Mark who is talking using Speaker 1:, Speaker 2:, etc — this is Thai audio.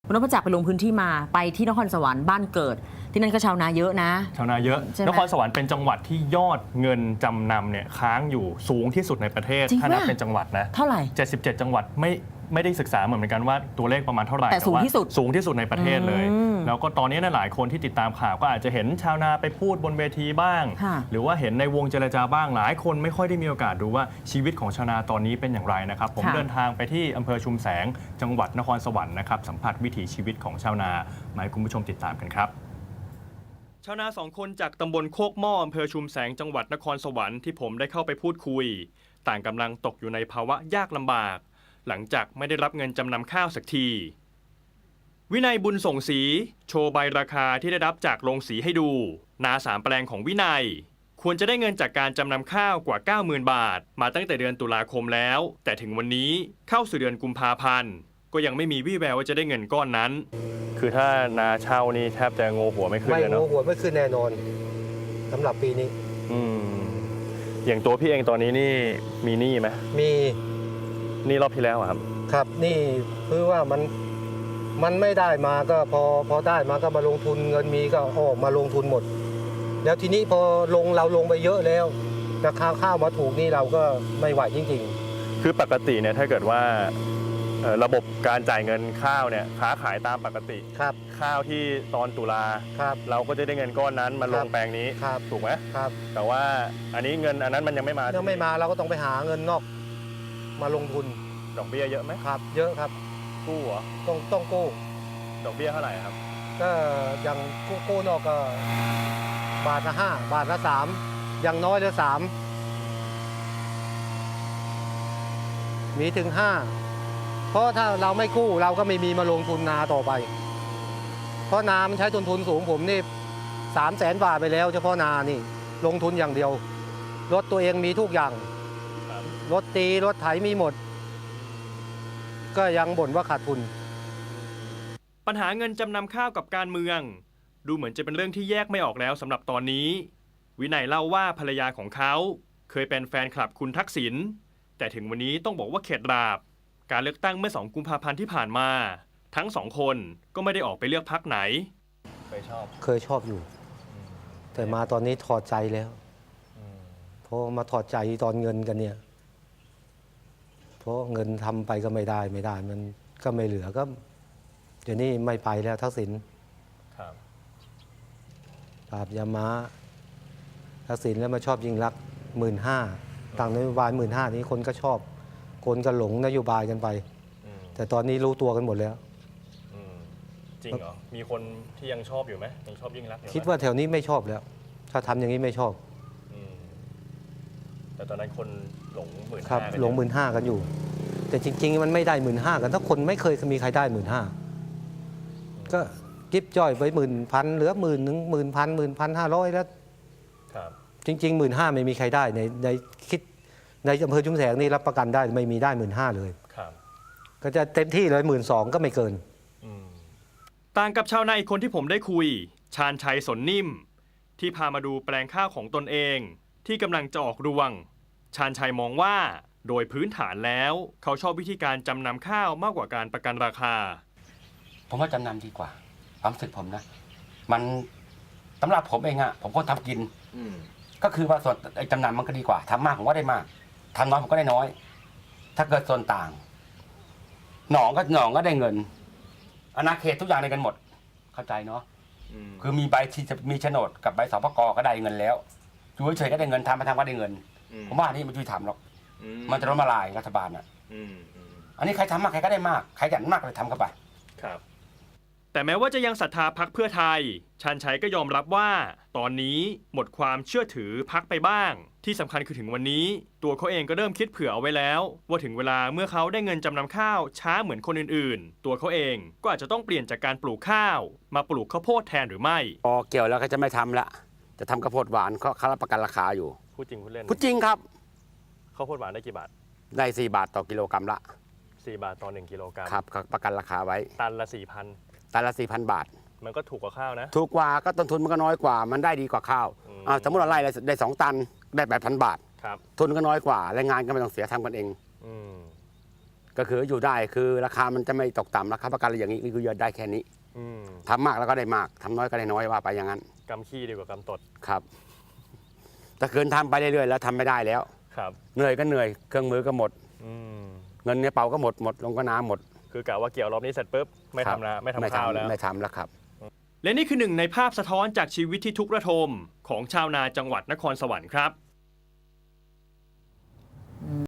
Speaker 1: คุณนพจักรไปลงพื้นที่มาไปที่นครสวรรค์บ้านเกิดที่นั่นก็ชาวนาเยอะนะ
Speaker 2: ชาวนาเยอะนครสวรรค์เป็นจังหวัดที่ยอดเงินจำนำเนี่ยค้างอยู่สูงที่สุดในประเทศถ้านับเป็นจังหวัดนะ
Speaker 1: เท่าไหร่
Speaker 2: 77จังหวัดไม่ได้ศึกษาเหมือนกันว่าตัวเลขประมาณเท่าไหร่
Speaker 1: แต่สูงที่
Speaker 2: สุดในประเทศเลยแล้วก็ตอนนี้หลายคนที่ติดตามข่าวก็อาจจะเห็นชาวนาไปพูดบนเวทีบ้างหรือว่าเห็นในวงเจรจาบ้างหลายคนไม่ค่อยได้มีโอกาสดูว่าชีวิตของชาวนาตอนนี้เป็นอย่างไรนะครับผมเดินทางไปที่อำเภอชุมแสงจังหวัดนครสวรรค์นะครับสัมผัสวิถีชีวิตของชาวนามาให้คุณผู้ชมติดตามกันครับชาวนา2 คนจากตำบลโคกหม้ออำเภอชุมแสงจังหวัดนครสวรรค์ที่ผมได้เข้าไปพูดคุยต่างกำลังตกอยู่ในภาวะยากลำบากหลังจากไม่ได้รับเงินจำนำข้าวสักทีวินัยบุญส่งสีโชว์ใบราคาที่ได้รับจากโรงสีให้ดูนา3 แปลงของวินัยควรจะได้เงินจากการจำนำข้าวกว่า 90,000 บาทมาตั้งแต่เดือนตุลาคมแล้วแต่ถึงวันนี้เข้าสู่เดือนกุมภาพันธ์ก็ยังไม่มีวี่แววว่าจะได้เงินก้อนนั้นคือถ้านาเช่านี่แทบจะโงหัวไม่ขึ้นเลยเนาะ
Speaker 3: ไม่โงหัวไม่ขึ้นแน่นอนสำหรับปีนี้
Speaker 2: อย่างตัวพี่เองตอนนี้นี่มีหนี้ไหม
Speaker 3: มี
Speaker 2: นี่รอบที่แล้วครับ
Speaker 3: ครับนี่คือว่ามันไม่ได้มาก็พอได้มาก็มาลงทุนเงินมีก็ออกมาลงทุนหมดแล้วทีนี้พอเราลงไปเยอะแล้วราคาข้าวมาถูกนี่เราก็ไม่ไหวจริง
Speaker 2: ๆคือปกติเนี่ยถ้าเกิดว่าระบบการจ่ายเงินข้าวเนี่ยค้าขายตามปกติ
Speaker 3: ครับ
Speaker 2: ข้าวที่ตอนตุลาเราก็จะได้เงินก้อนนั้นมาลงแปลงนี้ถูกไหม
Speaker 3: ครับ
Speaker 2: แต่ว่าอันนี้เงินอันนั้นมันยังไม่มา
Speaker 3: เราก็ต้องไปหาเงินนอกมาลงทุน
Speaker 2: ดอกเบี้ยเยอะไหม
Speaker 3: ครับเยอะครับ
Speaker 2: กู้เหรอ
Speaker 3: ต้องกู้
Speaker 2: ดอกเบี้ยเท่าไหร่ครับ
Speaker 3: ก็อย่างกู้นอกก็บาทละ5 บาทละ3อย่างน้อยละ3มีถึง5เพราะถ้าเราไม่กู้เราก็ไม่มีมาลงทุนนาต่อไปเพราะนามันใช้ต้นทุนสูงผมนี่300,000 บาทไปแล้วเฉพาะนานี่ลงทุนอย่างเดียวรถตัวเองมีทุกอย่างรถตีรถไถมีหมดก็ยังบ่นว่าขาดทุน
Speaker 2: ปัญหาเงินจำนำข้าวกับการเมืองดูเหมือนจะเป็นเรื่องที่แยกไม่ออกแล้วสำหรับตอนนี้วินัยเล่าว่าภรรยาของเขาเคยเป็นแฟนคลับคุณทักษิณแต่ถึงวันนี้ต้องบอกว่าเข็ดหลาบการเลือกตั้งเมื่อ2 กุมภาพันธ์ที่ผ่านมาทั้ง2 คนก็ไม่ได้ออกไปเลือกพรรคไหน
Speaker 3: เคยชอบอยู่แต่มาตอนนี้ถอดใจแล้วเพราะมาถอดใจตอนเงินกันเนี่ยเพราะเงินทำไปก็ไม่ได้มันก็ไม่เหลือก็เดี๋ยวนี้ไม่ไปแล้วทักษิณปราบยาม้าทักษิณแล้วมาชอบยิ่งรักษณ์15,000ต่างนโยบาย15,000นี้คนก็ชอบคนก็หลงนโยบายกันไปแต่ตอนนี้รู้ตัวกันหมดแล้ว
Speaker 2: จริงเหรอมีคนที่ยังชอบอยู่ไหมยังชอบยิ่งรักษณ์
Speaker 3: คิดว่าแถวนี้ไม่ชอบแล้วถ้าทำอย่างนี้ไม่ชอบ
Speaker 2: แต่ตอนนั้นคนหลง15,000
Speaker 3: ครับหลง15,000กันอยู่แต่จริงๆมันไม่ได้15,000กันถ้าคนไม่เคยมีใครได้15,000ก็กิ๊บจ้อยไป10,000เหลือ10,000 11,500แล้วจริงๆ15,000ไม่มีใครได้ในคิดในอำเภอชุมแสงนี่รับประกันได้ไม่มีได้15,000เลยก็จะเต็มที่เลย12,000ก็ไม่เกิน
Speaker 2: ต่างกับชาวนาอีกคนที่ผมได้คุยชาญชัยสนนิ่มที่พามาดูแปลงข้าวของตนเองที่กำลังจะออกรวงชาญชัยมองว่าโดยพื้นฐานแล้วเขาชอบวิธีการจำนำข้าวมากกว่าการประกันราคา
Speaker 4: ผมว่าจำนำดีกว่าความรู้สึกผมนะมันสำหรับผมเองอะผมก็ทำกินก็คือว่าส่วนจำนำมันก็ดีกว่าทำมากผมก็ได้มากทำน้อยผมก็ได้น้อยถ้าเกิดส่วนต่างหนองก็ได้เงินอาณาเขตทุกอย่างได้กันหมดเข้าใจเนาะคือมีใบที่จะมีโฉนดกับใบสปก.ก็ได้เงินแล้วอยู่เฉยๆก็ได้เงินทำมาทำก็ได้เงินผมว่านี่มันยุติธรรมหรอกมันจะล้มละลายรัฐบาลอ่ะอันนี้ใครทำมากใครก็ได้มากใครอยากมากเลยทำเข้าไป
Speaker 2: ครับแต่แม้ว่าจะยังศรัทธาพรรคเพื่อไทยชาญชัยก็ยอมรับว่าตอนนี้หมดความเชื่อถือพรรคไปบ้างที่สำคัญคือถึงวันนี้ตัวเขาเองก็เริ่มคิดเผื่อเอาไว้แล้วว่าถึงเวลาเมื่อเขาได้เงินจำนำข้าวช้าเหมือนคนอื่นๆตัวเขาเองก็อาจจะต้องเปลี่ยนจากการปลูกข้าวมาปลูกข้าวโพดแทนหรือไม่
Speaker 4: พอเกี่ยวแล้วก็จะไม่ทำละจะทำข้าวโพดหวานเขารับประกันราคาอยู่
Speaker 2: พูดจริงพูดเล่น
Speaker 4: พูดจริงครับ
Speaker 2: ข้าวโพดหวานได้กี่บาท
Speaker 4: ได้4 บาทต่อกิโลกรัมละ
Speaker 2: 4 บาทต่อ1 กิโลกรัม
Speaker 4: ครับประกันราคาไว้
Speaker 2: ตันละ 4,000
Speaker 4: ตันละ 4,000 บาท
Speaker 2: มันก็ถูกกว่าข้าวนะ
Speaker 4: ถูกกว่าก็ต้นทุนมันก็น้อยกว่ามันได้ดีกว่าข้าวสมมติเราไล่ได้2 ตันได้8,000 บาททุนก็น้อยกว่าแรงงานก็ไม่ต้องเสียทำกันเองก็คืออยู่ได้คือราคามันจะไม่ตกต่ำราคาประกันอะไรอย่างนี้นี่คือได้แค่นี้
Speaker 2: อืม
Speaker 4: ทำมากแล้วก็ได้มากทำน้อยก็ได้น้อยว่าไปอย่างนั้น
Speaker 2: กำขี้ดีกว่ากำตด
Speaker 4: ครับถ้าเกินทำไปเรื่อยๆแล้วทำไม่ได้แล้ว
Speaker 2: ครับ
Speaker 4: เหนื่อยก็เหนื่อยเครื่องมือก็หมด
Speaker 2: อืม
Speaker 4: เงินในเป๋าก็หมดลงก็น้ำหมด
Speaker 2: คือกะว่าเกี่ยวรอบนี้เสร็จปุ๊บไม่ทำนะไม่ทำข้าวแล้ว
Speaker 4: ไม่ทำแล้วครับ
Speaker 2: และนี่คือหนึ่งในภาพสะท้อนจากชีวิตที่ทุกข์ระทมของชาวนาจังหวัดนครสวรรค์ครับ